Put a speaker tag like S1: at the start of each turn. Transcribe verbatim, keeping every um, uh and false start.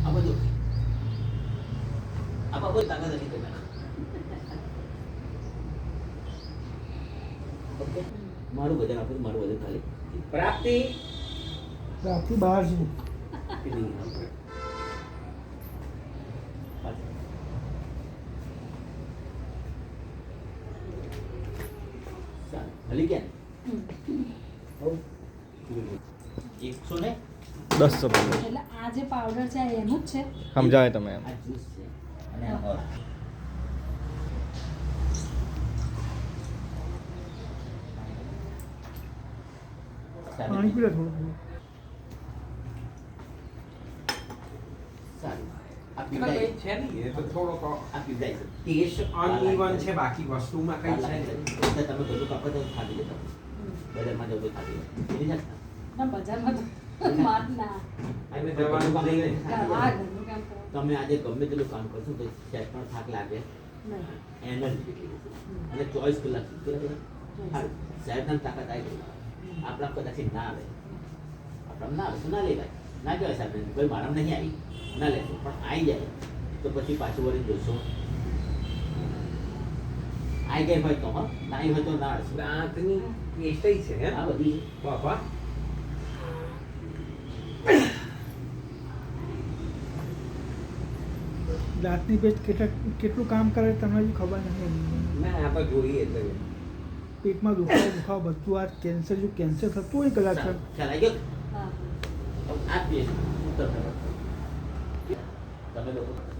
S1: આ બધું આ બાબત તાકાત નથી કરી ઓકે મારું વજન આપું મારું વજન ખાલી પ્રાપ્તિ
S2: પ્રાપ્તિ બહાર છે
S1: હલી ગયા એકસો ને
S3: દસ રૂપિયા
S4: એટલે આ જે પાવડર છે આ એનું જ છે
S3: સમજાવે તમે એમ
S1: આ જ્યુસ છે અને આ ઓર
S2: પાણી પી લે થોડું થોડું
S1: સારું આ
S5: એમાં
S1: પીવડાય
S5: કંઈ છે નહીં, એ તો થોડોક
S1: આ પીવડાય છે ટેસ્ટ
S5: અનઇવન છે, બાકી વસ્તુમાં કંઈ છે નહીં.
S1: એટલે તમે બધું કાપો તો ખાધી લેતા બજારમાં જાવ તો ખાધી લે એની જાત
S4: ના બજારમાં તો માર ના
S5: અને દવાનું લઈને
S4: આ ઘરનું કામ કરો
S1: તમે આજે ગમે તેટલું કામ કરશો તો સેટ પણ થાક લાગે
S4: નહીં
S1: એનર્જી જેટલી અને ચોવીસ કલાક સુધી સારું સાહેબના તાકાત આવી ગઈ આપણા કદાચ ના આવે આપણા ના આવે તો ના લેવાય ના કહેવાય સાહેબ કોઈ મારા નહીં આવી ના લેશો પણ આવી જાય તો પછી પાછું વળી જોશો આવી ગઈ હોય તો હા ના આવી હોય તો ના આવશે
S5: દાંતની પેસ્ટ છે હે
S1: આ બધી
S5: બાપા
S2: દાંતની પેસ્ટ કેટલા કેટલું કામ કરે તમને હજુ ખબર નથી
S5: ના આ તો જોઈએ એટલે
S2: પેટમાં દુખાવો દુખાવો બધું આ કેન્સર જો કેન્સર થતું હોય કદાચ
S1: સારું. ખ્યાલ આવી ગયો
S4: હા
S1: આ પેસ્ટ ઉત્તર તમે લોકો